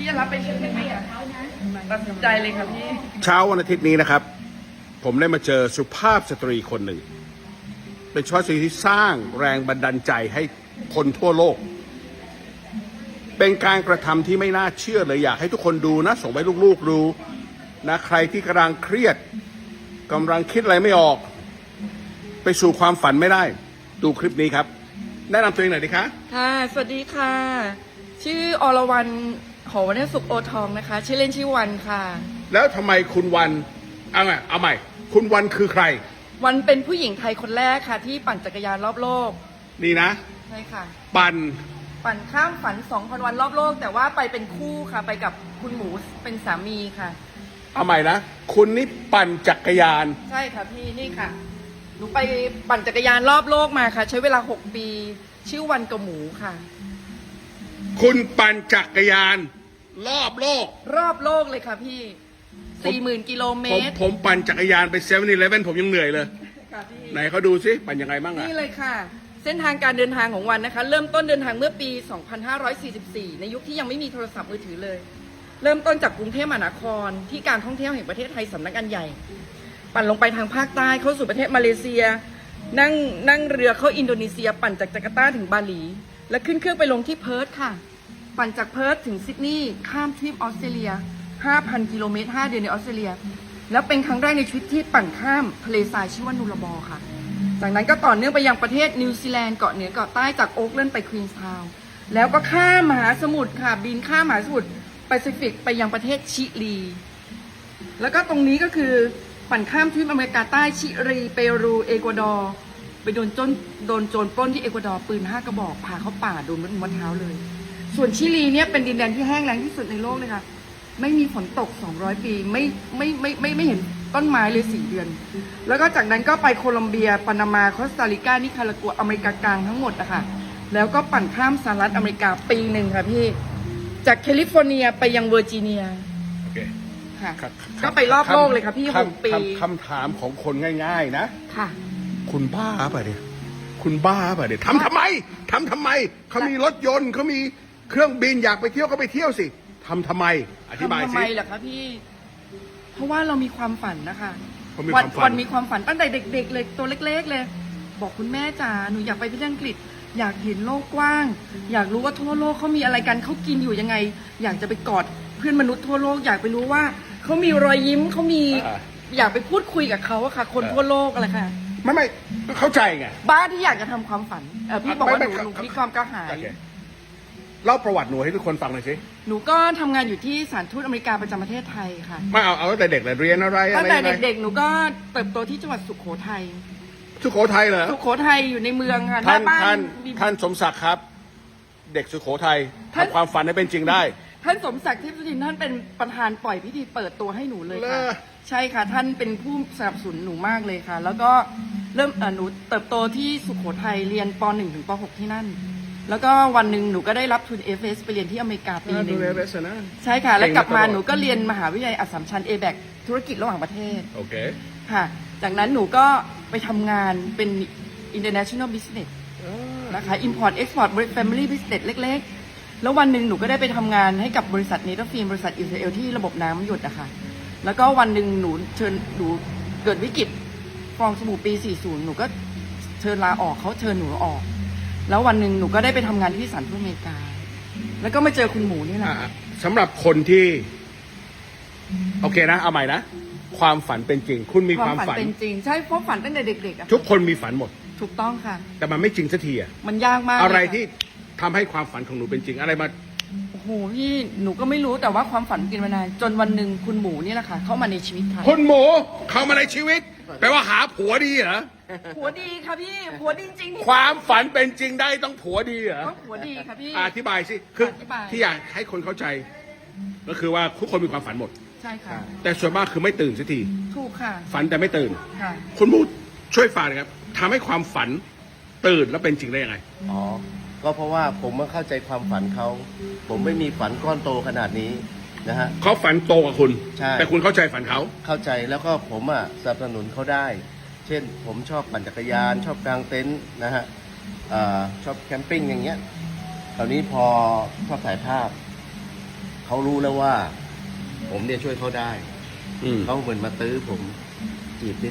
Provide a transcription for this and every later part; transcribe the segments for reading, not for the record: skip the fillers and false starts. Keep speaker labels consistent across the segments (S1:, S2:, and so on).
S1: จะรับไปเชื่อไหมอ่ะตัดสินใจเลยค่ะพี่
S2: เช้าวันอาทิตย์นี้นะครับ ผมได้มาเจอสุภาพสตรีคนหนึ่ง เป็นสุภาพสตรีที่สร้างแรงบันดาลใจให้คนทั่วโลก เป็นการกระทำที่ไม่น่าเชื่อเลยอยากให้ทุกคนดูนะ ส่งไปลูกๆดูนะใครที่กำลังเครียดกำลังคิดอะไรไม่ออก ไปสู่ความฝันไม่ได้ ดูคลิปนี้ครับ แนะนำตัวเองหน่อยดิคะ
S1: ค่ะสวัสดีค่ะ ชื่ออรวรรณหอวรรณสุขโอทองนะคะ ชื่อเล่นชื่อวันค่ะ
S2: แล้วทำไมคุณวันเอาใหม่คุณวันคือใคร
S1: วันเป็นผู้หญิงไทยคนแรกค่ะ ที่ปั่นจักรยานรอบโลก
S2: นี่นะ
S1: ใช่ค่ะ
S2: ปั่น
S1: ปั่นข้ามฝัน 2,000 วันรอบโลก แต่ว่าไปเป็นคู่ค่ะ ไปกับคุณหมูเป็นสามีค่ะ
S2: เอาใหม่นะคุณนี่ปั่นจักรยาน
S1: ใช่ค่ะพี่นี่ค่ะ หนูไปปั่นจักรยานรอบโลกมาค่ะ ใช้เวลา 6 ปี ชื่อวันกับหมูค่ะ
S2: คุณปั่นจักรยาน รอบโลก
S1: รอบโลกเลยค่ะพี่ 40,000 กิโลเมตร
S2: ผมปั่นจักรยานไปเซเว่นอีเลฟเว่นผมยังเหนื่อยเลย
S1: ค่ะพี่
S2: ไหนเขาดูซิปั่นยังไงบ้างอะ
S1: นี่เลยค่ะ เส้นทางการเดินทางของวันนะคะ เริ่มต้นเดินทางเมื่อปี 2544 ในยุคที่ยังไม่มีโทรศัพท์มือถือเลย เริ่มต้นจากกรุงเทพมหานครที่การท่องเที่ยวแห่งประเทศไทยสำนักงานใหญ่ ปั่นลงไปทางภาคใต้เข้าสู่ประเทศมาเลเซีย นั่งเรือเข้าอินโดนีเซีย ปั่นจากจาการ์ตาถึงบาหลี และขึ้นเครื่องไปลงที่เพิร์ธค่ะ ปั่นจากเพิร์ธถึงซิดนีย์ข้ามทวีปออสเตรเลีย 5,000 กิโลเมตร 5 เดือนในออสเตรเลีย แล้วเป็นครั้งแรกในชีวิตที่ปั่นข้ามทะเลทรายชื่อว่านูราบอร์ค่ะ จากนั้นก็ต่อเนื่องไปยังประเทศนิวซีแลนด์เกาะเหนือเกาะใต้จากโอ๊กแลนด์ไปควีนส์ทาวน์แล้วก็ข้ามมหาสมุทรค่ะ บินข้ามมหาสมุทรแปซิฟิกไปยังประเทศชิลี แล้วก็ตรงนี้ก็คือปั่นข้ามทวีปอเมริกาใต้ชิลีเปรูเอกวาดอร์ไปโดนโจรปล้นที่เอกวาดอร์ปืน5 กระบอกพาเข้าป่าโดนมัดเท้าเลย ส่วนชิลีเนี่ยเป็นดินแดนที่แห้งแล้งที่สุดในโลกเลยค่ะ ไม่มีฝนตก 200 ปีไม่เห็นต้นไม้เลย 4 เดือน แล้วก็จากนั้นก็ไปโคลอมเบียปานามาคอสตาริกานิคารากัวอเมริกากลางทั้งหมดนะคะแล้วก็ปั่นข้ามสหรัฐอเมริกาปีหนึ่งค่ะพี่จากแคลิฟอร์เนียไปยังเวอร์จิเนีย
S2: โอเค
S1: ค่ะ
S2: ครับ
S1: ก็ไปรอบโลกเลยค่ะพี่6 ปี
S2: คำถามของคนง่าย ๆ นะ
S1: ค่ะ
S2: คุณบ้าป่ะเนี่ยคุณบ้าป่ะเนี่ยทำทำไมเขามีรถยนต์เขามีเครื่องบินอยากไปเที่ยวก็ไปเที่ยวสิทำทำไมอธิบาย
S1: ทำ
S2: สิ
S1: ไมล่ะคะพี่ เพราะว่าเรามีความฝันนะคะ
S2: ผมมีความฝัน
S1: วันมีความฝันตั้งแต่เด็กๆเลยตัวเล็กๆเลย บอกคุณแม่จ๋าหนูอยากไปที่อังกฤษ อยากเห็นโลกกว้าง อยากรู้ว่าทั่วโลกเขามีอะไรกันเขากินอยู่ยังไง อยากจะไปกอดเพื่อนมนุษย์ทั่วโลก อยากไปรู้ว่าเขามีรอยยิ้มเขามีอยากไปพูดคุยกับเขาอะค่ะ คนทั่วโลกอะไรค่ะ
S2: ไม่เข้าใจไง
S1: บ้านที่อยากจะทำความฝันพี่บอกว่าหนูมีความกระหาย
S2: โอเคเล่าประวัติหนูให้ทุกคนฟังหน่อยสิ
S1: หนูก็ทำงานอยู่ที่สถานทูตอเมริกาประจำประเทศไทยค่ะ
S2: ไม่เอาตั้งแต่เด็กเลยเรียนอะไร
S1: ตั้งแต่
S2: ยังไง
S1: เด็กๆ หนูก็เติบโตที่จังหวัดสุโขทัย
S2: สุโขทัยเหรอ
S1: สุโขทัยอยู่ในเมืองค่ะห
S2: ท่า
S1: น้าน บ้า
S2: ท่าน
S1: นมี
S2: ท่านสมศักดิ์ครับ เด็กสุโขทัย
S1: ท่าน
S2: ทำความฝันให้เป็นจริงได้
S1: ท่านสมศักดิ์ทิพย์สุทินท่านเป็นประธานปล่อยพิธีเปิดตัวให้หนูเลย
S2: เหร
S1: ค่ะ
S2: อ
S1: ใช่ค่ะ ท่านเป็นผู้สนับสนุนหนูมากเลยค่ะ แล้วก็เริ่มหนูเติบโตที่สุโขทัยเรียนป .1 ถึงป .6 ที่นั่น แล้วก็วันหนึ่งหนูก็ได้รับทุน FS ไปเรียนที่อเมริกาปีห
S2: ดู
S1: นึ่ง
S2: แลเวสนะ
S1: ใช่ค่ะ แล้วกลับมา
S2: เก่งมาตลอด
S1: หนูก็เรียนมหาวิทยาลัยอัสสัมชัญ ABAC ธุรกิจระหว่างประเทศ
S2: โอเค
S1: ค่ะ จากนั้นหนูก็ไปทำงานเป็น international business นะคะ import export family business เล็กๆ แล้ววันหนึ่งหนูก็ได้ไปทำงานให้กับบริษัทเนเธอร์ฟิล์มบริษัทอิสราเอลที่ระบบน้ำหยดอะค่ะแล้วก็วันหนึ่งหนูเกิดวิกฤตฟองสบู่ปี 40 หนูก็เชิญลาออกเขาเชิญหนูออก แล้ววันหนึ่งหนูก็ได้ไปทำงานที่สหรัฐอเมริกา แล้วก็มาเจอคุณหมูนี่แหละ
S2: สำหรับคนที่ โอเคนะ เอาใหม่นะ ความฝันเป็นจริง คุณมีความฝัน
S1: เป็นจริง ใช่เพราะฝันตั้งแต่เด็กๆอะ
S2: ทุกคนมีฝันหมด
S1: ถูกต้องค่ะ
S2: แต่มันไม่จริงสักทีอะ
S1: มันยากมาก
S2: อะไร
S1: เลยค่
S2: ที่ทำให้ความฝันของหนูเป็นจริง อะไรมา
S1: โอ้โหพี่หนูก็ไม่รู้แต่ว่าความฝันกินมานานจนวันหนึ่งคุณหมูนี่แหละค่ะเข้ามาในชีวิตไทย
S2: คุณหมูเข้ามาในชีวิตแปลว่าหาผัวดีเหรอ
S1: ผัวดีค่ะพี่ผัวดีจริงๆ
S2: ความฝันเป็นจริงได้ต้องผัวดีเหรอ
S1: ต้องผัวดีค่ะพี่
S2: อธิบายสิคือ
S1: อธิบาย
S2: ที่อยากให้คนเข้าใจ ก็คือว่าทุกคนมีความฝันหมด
S1: ใช่ค่ะ
S2: แต่ส่วนมากคือไม่ตื่นสักที
S1: ถูกค่ะ
S2: ฝันแต่ไม่ตื่น
S1: ค่ะ
S2: คุณหมูช่วยฝากหน่อยครับทำให้ความฝันตื่นแล้วเป็นจริงได้ยังไง
S3: อ๋อ ก็เพราะว่าผมมาเข้าใจความฝันเขา ผมไม่มีฝันก้อนโตขนาดนี้นะฮะ
S2: เขาฝันโตกว่าคุณ
S3: ใช่
S2: แต่คุณเข้าใจฝันเขา
S3: เข้าใจแล้วก็ผมอ่ะสนับสนุนเขาได้ เช่น ผมชอบปั่นจักรยาน ชอบกางเต็นท์นะฮะชอบแคมปิ้งอย่างเงี้ย คราวนี้พอชอบถ่ายภาพเขารู้แล้วว่า ผมเนี่ยช่วยเขาได้
S2: อืม
S3: เขาเหมือนมาตื้อผมจีบนิด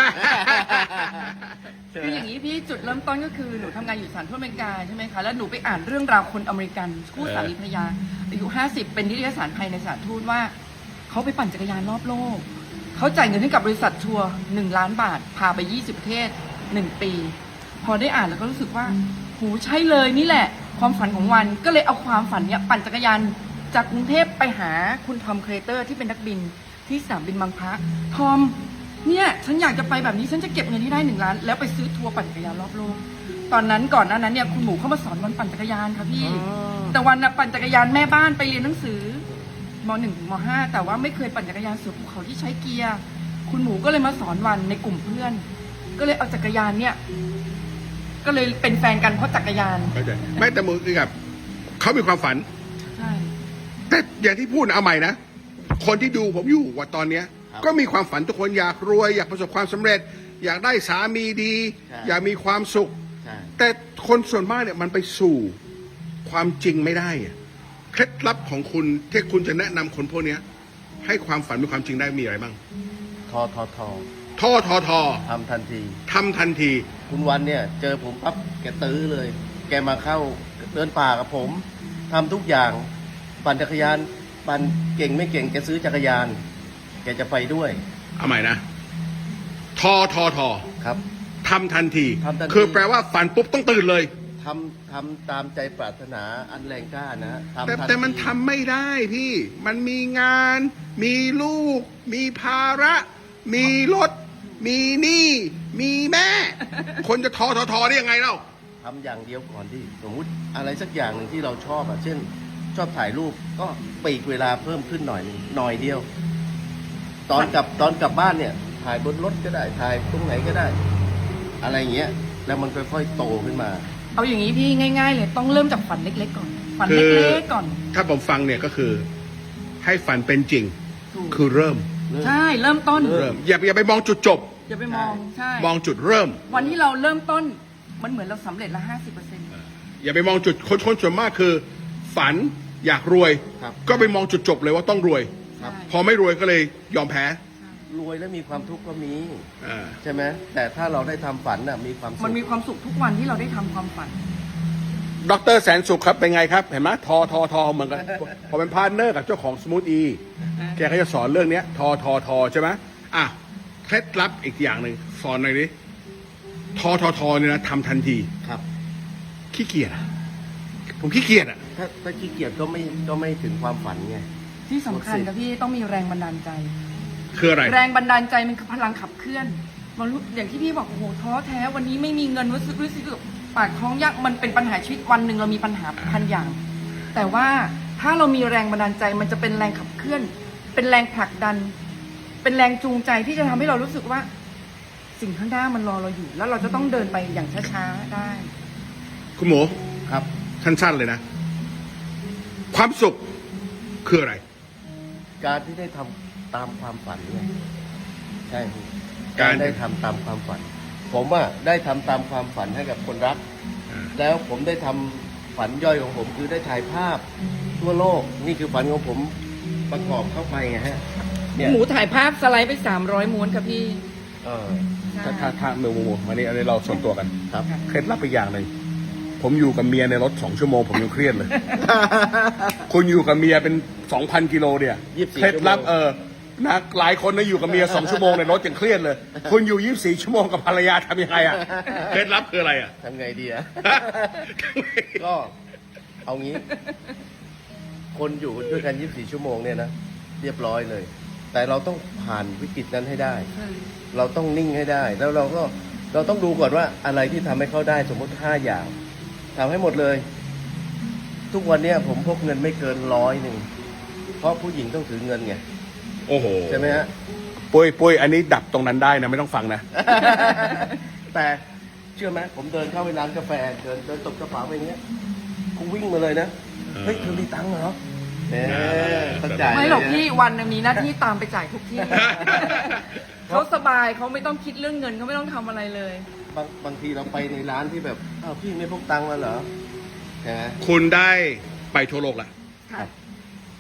S1: คืออย่างนี้พี่จุดเริ่มต้นก็คือหนูทำงานอยู่สถานทูตอเมริกาใช่ไหมคะแล้วหนูไปอ่านเรื่องราวคนอเมริกันคู่สามีภรรยาอายุ50เป็นนิตยสารภายในสถานทูตว่าเขาไปปั่นจักรยานรอบโลกเขาจ่ายเงินให้กับบริษัททัวร์1 ล้านบาทพาไป20ประเทศ1 ปี พอได้อ่านแล้วก็รู้สึกว่าโหใช่เลยนี่แหละ ความฝันของวันก็เลยเอาความฝันเนี้ยปั่นจักรยานจากกรุงเทพไปหาคุณทอมเครเตอร์ที่เป็นนักบินที่สนามบินบางพระทอมเนี่ยฉันอยากจะไปแบบนี้ฉันจะเก็บเงินที่ได้1 ล้านแล้วไปซื้อทัวร์ปั่นจักรยานรอบโลกตอนนั้นก่อนหน้านั้นเนี่ยคุณหมูเข้ามาสอนวันปั่นจักรยานค่ะพี่ แต่วันน่ะปั่นจักรยานแม่บ้านไปเรียนหนังสือม.1 ถึงม.5 แต่ว่าไม่เคยปั่นจักรยานสู่ภูเขาที่ใช้เกียร์คุณหมูก็เลยมาสอนวันในกลุ่มเพื่อน ก็เลยเอาจักรยานเนี่ยก็เลยเป็นแฟนกันเพราะจักรยาน
S2: เข้าใจไม่แต่มือคือกับเขามีความฝัน
S1: ใช่
S2: แต่อย่างที่พูดนะเอาใหม่นะ คนที่ดูผมอยู่ว่าตอนเนี้ย
S3: ครับ
S2: ก็มีความฝันทุกคนอยากรวย อยากประสบความสำเร็จ อยากได้สามีดี
S3: ใช่
S2: อยากมีความสุข
S3: ใช่
S2: แต่คนส่วนมากเนี่ยมันไปสู่ความจริงไม่ได้อะเคล็ดลับของคุณที่คุณจะแนะนำคนพวกเนี้ย ให้ความฝันเป็นความจริงได้มีอะไรบ้าง
S3: ทอ
S2: ทอ
S3: ทำทันที
S2: ทำทันที
S3: คุณวันเนี่ย เจอผมปั๊บแกตื้อเลย แกมาเข้าเดินป่ากับผมทำทุกอย่าง ปั่นจักรยาน ปั่นเก่งไม่เก่งแกซื้อจักรยาน แกจะไปด้วย
S2: เอาใหม่นะทอ
S3: ครับ
S2: ทำทันที
S3: ทำทันที
S2: คือแปลว่าฝันปุ๊บต้องตื่นเลย
S3: ทำตามใจปรารถนาอันแรงกล้านะทำ
S2: แต่
S3: ทัที
S2: แต่มันทำไม่ได้พี่ มันมีงาน มีลูก มีภาระ มีรถ มีหนี้ มีแม่ คนจะทอได้ยังไงเล่า
S3: ทำอย่างเดียวก่อนที่สมมุติอะไรสักอย่างหนึ่งที่เราชอบอ่ะเช่น ชอบถ่ายรูปก็ปลีกเวลาเพิ่มขึ้นหน่อยนึงหน่อยเดียว ตอนกลับบ้านเนี่ย ถ่ายบนรถก็ได้ถ่ายตรงไหนก็ได้ อะไรอย่างเงี้ยแล้วมันค่อยๆโตขึ้นมา
S1: เอาอย่างนี้พี่ง่าย ๆ เลยต้องเริ่มจากฝันเล็กๆก่อนฝัน
S2: คือ
S1: เล็กๆก่อน
S2: ถ้าผมฟังเนี่ยก็คือ ให้ฝันเป็นจริง
S1: ถูก
S2: คือเริ่ม
S1: ใช่เริ่มต้น
S2: เริ่ม อย่าไปมองจุดจบ
S1: อย่าไปมองใช่
S2: มองจุดเริ่ม
S1: วันที่เราเริ่มต้นมันเหมือนเราสำเร็จละ50%
S2: อย่าไปมองจุดคนส่วนมากคือ ฝันอยากรวย
S3: ครับ
S2: ก็ไปมองจุดจบเลยว่าต้องรวย
S3: ครับ
S2: พอไม่รวยก็เลยยอมแพ้
S3: รวยแล้วมีความทุกข์ก็มี
S2: อ่า
S3: ใช่ไหมแต่ถ้าเราได้ทำฝันน่ะมีความสุข
S1: มันมีความสุขทุกวันที่เราได้ทำความฝัน
S2: ดรแสนสุขครับเป็นไงครับ เห็นไหมทอเหมือนกัน พอเป็นพาร์ทเนอร์กับเจ้าของสมูทอีแกก็จะสอนเรื่องเนี้ยทอใช่ไหมอ่ะเคล็ดลับอีกอย่างหนึ่งสอนหน่อยดิทอเนี่ยนะทำทันที
S3: ครับ
S2: ขี้เกียจอะผมขี้เกียจอ่ะ
S3: ถ้าขี้เกียจก็ไม่ถึงความฝันไง
S1: ที่สำคัญกับพี่ต้องมีแรงบันดาลใจ
S2: คืออะไร
S1: แรงบันดาลใจมันคือพลังขับเคลื่อนมันรู้อย่างที่พี่บอกโอ้โหท้อแท้วันนี้ไม่มีเงินรู้สึกปากท้องยากมันเป็นปัญหาชีวิตวันหนึ่งเรามีปัญหาพันอย่าง แต่ว่าถ้าเรามีแรงบันดาลใจมันจะเป็นแรงขับเคลื่อน เป็นแรงผลักดัน เป็นแรงจูงใจที่จะทำให้เรารู้สึกว่า สิ่งข้างหน้ามันรอเราอยู่ แล้วเราจะต้องเดินไปอย่างช้าๆได้
S2: คุณหมู
S3: ครับ
S2: สั้นๆเลยนะ ความสุขคืออะไร
S3: การที่ได้ทำตามความฝันไงใช่พี่
S2: การ
S3: ได้ทำตามความฝัน ผมอ่ะได้ทำตามความฝันให้กับคนรัก
S2: อ่า
S3: แล้วผมได้ทำฝันย่อยของผมคือได้ถ่ายภาพทั่วโลก นี่คือฝันของผมประกอบเข้าไปไงฮะเนี่ย
S1: หมูถ่ายภาพสไลด์ไป300ม้วนค่ะพี่
S3: เออ
S2: ถ้าหมูมานี่อันนี้เราส่วนตัวกัน
S3: ครับ
S2: เคล็ดลับอีกอย่างหนึ่งผมอยู่กับเมียในรถ2 ชั่วโมงผมยังเครียดเลย คุณอยู่กับเมียเป็น 2,000 กิโลเนี่ย
S3: 24
S2: เคล็ดลับ
S3: ชั่วโมง
S2: นะหลายคนนะอยู่กับเมีย2 ชั่วโมงในรถยังเครียดเลย คุณอยู่ 24 ชั่วโมงกับภรรยาทำยังไงอ่ะ เคล็ดลับคืออะไรอ่ะ
S3: ทำไงดีอะ ก็เอางี้ คนอยู่ด้วยกัน 24 ชั่วโมงเนี่ยนะ เรียบร้อยเลย แต่เราต้องผ่านวิกฤตนั้นให้ได้ เราต้องนิ่งให้ได้ แล้วเราต้องดูก่อนว่าอะไรที่ทำให้เขาได้สมมติ5 อย่างทำให้หมดเลย ทุกวันเนี้ยผมพกเงินไม่เกิน100เพราะผู้หญิงต้องถือเงินไง
S2: โอ้โห
S3: ใช่ไหมฮะ
S2: ปุ้ยอันนี้ดับตรงนั้นได้นะไม่ต้องฟังนะ
S3: แต่เชื่อไหมผมเดินเข้าไปร้านกาแฟเดินตบกระเป๋าไปอย่างเงี้ยกูวิ่งมาเลยนะเฮ้ยเธอมีตังค์เหรอต้องจ่าย
S1: ไม่หรอก
S3: เลยนะ
S1: พี่วันหนึงมีหน้าที่ตามไปจ่ายทุกที่ เขาสบายเขาไม่ต้องคิดเรื่องเงินเขาไม่ต้องทำอะไรเลย
S3: บางทีเราไปในร้านที่แบบอ้าวพี่ไม่พกตังค์มาเหรอใช่ไหม
S2: คุณได้ไปทั่วโลกละ
S1: ค่ะ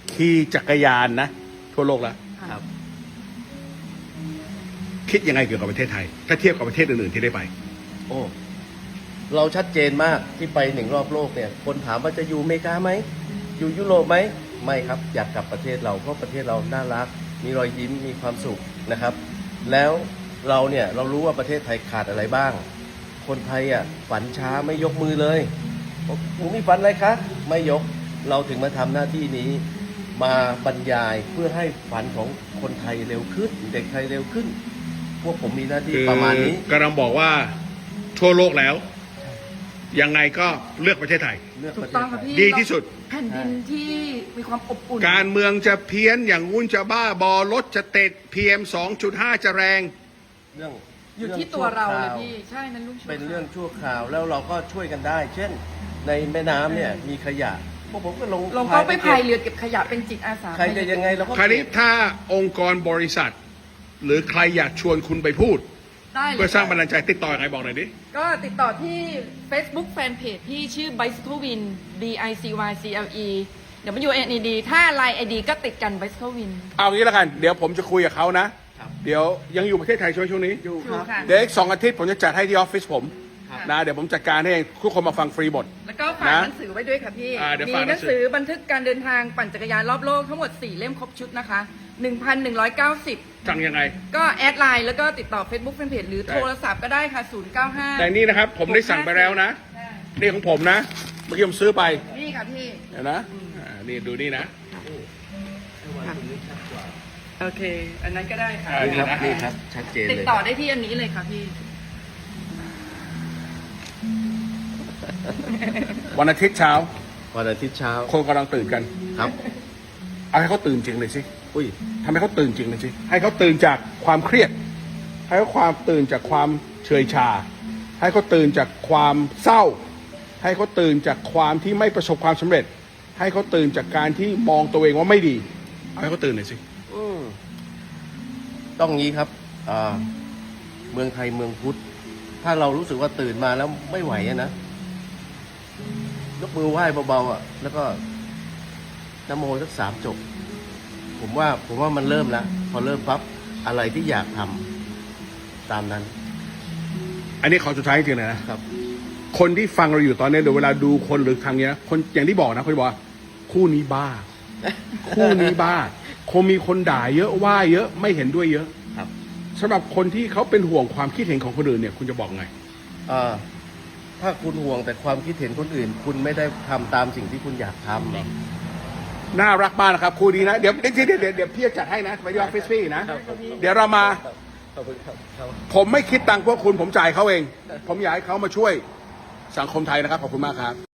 S2: ขี่จักรยานนะ ทั่วโลกแล้ว
S3: ครับ
S2: คิดยังไงเกี่ยวกับประเทศไทย ถ้าเทียบกับประเทศอื่นๆที่ได้ไป
S3: โอ้ เราชัดเจนมากที่ไป1 รอบโลกเนี่ย คนถามว่าจะอยู่อเมริกาไหม อยู่ยุโรปไหม ไม่ครับ อยากกลับประเทศเรา เพราะประเทศเราน่ารัก มีรอยยิ้ม มีความสุขนะครับ แล้วเราเนี่ยเรารู้ว่าประเทศไทยขาดอะไรบ้าง คนไทยอ่ะฝันช้าไม่ยกมือเลยบอกหนูมีฝันอะไรคะ ไม่ยก เราถึงมาทำหน้าที่นี้ มาบรรยายเพื่อให้ฝันของคนไทยเร็วขึ้น เด็กไทยเร็วขึ้น พวกผมมีหน้าที่
S2: คือ
S3: ประมาณนี้
S2: กำลังบอกว่าทั่วโลกแล้ว ยังไงก็เลือกประเทศไทย
S3: เลือก
S1: ถู
S3: ป
S1: ก
S3: ระเท
S1: ต้อง
S3: ศไท
S1: ค่ะ
S3: ย
S1: พี่
S2: ดีที่สุด
S1: แผ่นดินที่มีความอบอุ่น
S2: การเมืองจะเพี้ยนอย่างงู้นจะบ้าบอรถจะติด PM 2.5 จะแรง
S3: เรื่อง
S1: อยู่ที่ตัวเราเลย
S3: อง
S1: พี่ ใช่นั้นลุงชั่ว
S3: เป็นเรื่องชั่วคราวแล้วเราก็ช่วยกันได้ เช่น ในแม่น้ำเนี่ยมีขยะพวกผมก็ลง
S1: ลงก็ไปพาย
S3: เก็บ
S1: เรือเก็บขยะเป็นจิตอาสา
S3: ใครจะยังไงเราก็
S2: คราวนี้
S3: เก็บ
S2: ถ้าองค์กรบริษัท หรือใครอยากชวนคุณไปพูด
S1: ได้เลย
S2: เพื่อสร้างบันดาลใจติดต่อยังไงบอกหน่อยดิ
S1: ก็ติดต่อที่ Facebook Fanpage พี่ชื่อ Bicycle Win BICYCLE WNED ถ้า Line ID ก็ติดกัน Bicycle Win
S2: เอางี้แล้วกัน เดี๋ยวผมจะคุยกับเขานะ เดี๋ยวยังอยู่ประเทศไทยช่วงนี้
S3: อยู่
S1: ถูกค่ะ
S2: เดี๋ยวอีก2 อาทิตย์ผมจะจัดให้ที่ออฟฟิศผม
S1: ครับ
S2: นะ เดี๋ยวผมจัดการให้เองทุกคนมาฟังฟรีหมด
S1: แล้วก็ฝาก
S2: นะ
S1: หนังสือไว้ด้วยค่ะพี่
S2: เดี๋ยว
S1: มี
S2: ฝาก
S1: ห
S2: หนั
S1: นั
S2: ง
S1: ง
S2: สื
S1: สื
S2: อ
S1: อบันทึกการเดินทางปั่นจักรยานรอบโลกทั้งหมด 4 เล่มครบชุดนะคะ 1,190
S2: สั่งยังไง
S1: ก็แอดไลน์แล้วก็ติดต่อ Facebook Fanpage หรือโทรศัพท์ก็ได้ค่ะ 095
S2: แต่นี่นะครับ ผมได้สั่งไปแล้วนะ
S1: ได้
S2: นี่ของผมนะ เมื่อกี้ผมซื้อไป
S1: นี่ค่ะพี่
S2: เห็นนะนี่ดูนี่นะ
S1: โอเค อันนั้นก็ได้ค่ะ
S3: นี่ครับนี่ครับชัดเจน
S1: ติด
S3: เลย
S1: ต่อได้ที่อันนี้เลยค่ะพี่
S2: วันอาทิตย์เช้า
S3: วันอาทิตย์เช้า
S2: คนกำลังตื่นกัน
S3: ครับ
S2: เอาให้เขาตื่นจริงเลยสิ
S3: อุ้ย
S2: ทำให้เขาตื่นจริงเลยสิ ให้เขาตื่นจากความเครียด ให้เขาความตื่นจากความเฉยชา ให้เขาตื่นจากความเศร้า ให้เขาตื่นจากความที่ไม่ประสบความสำเร็จ ให้เขาตื่นจากการที่มองตัวเองว่าไม่ดี เอาให้เขาตื่นหน่อยสิ
S3: อืมต้องงี้ครับเมืองไทยเมืองพุทธ ถ้าเรารู้สึกว่าตื่นมาแล้วไม่ไหวอะนะยกมือไหว้เบาๆอ่ะ แล้วก็นะโมสัก3 จบ ผมว่ามันเริ่มแล้ว พอเริ่มปั๊บอะไรที่อยากทำตามนั้น
S2: อันนี้ขอสุดท้ายจริงๆเลยนะ
S3: ครับ
S2: คนที่ฟังเราอยู่ตอนนี้เดี๋ยวเวลาดูคนหรือทางเนี้ย คนอย่างที่บอกนะคนบอกว่าคู่นี้บ้า คู่นี้บ้า คงมีคนด่าเยอะว่าเยอะไม่เห็นด้วยเยอะ
S3: ครับ
S2: สำหรับคนที่เขาเป็นห่วงความคิดเห็นของคนอื่นเนี่ย คุณจะบอกไง
S3: ถ้าคุณห่วงแต่ความคิดเห็นคนอื่น คุณไม่ได้ทำตามสิ่งที่คุณอยากทำ
S2: น่ารักมากนะครับคู่นี้นะ เดี๋ยวพี่จะจัดให้นะไปที่ออฟฟิศพี่นะ เดี๋ยวเรามา
S3: ขอบคุณครับ
S2: ผมไม่คิดตังค์พวกคุณผมจ่ายเขาเอง ผมอยากให้เขามาช่วยสังคมไทยนะครับ ขอบคุณมากครับ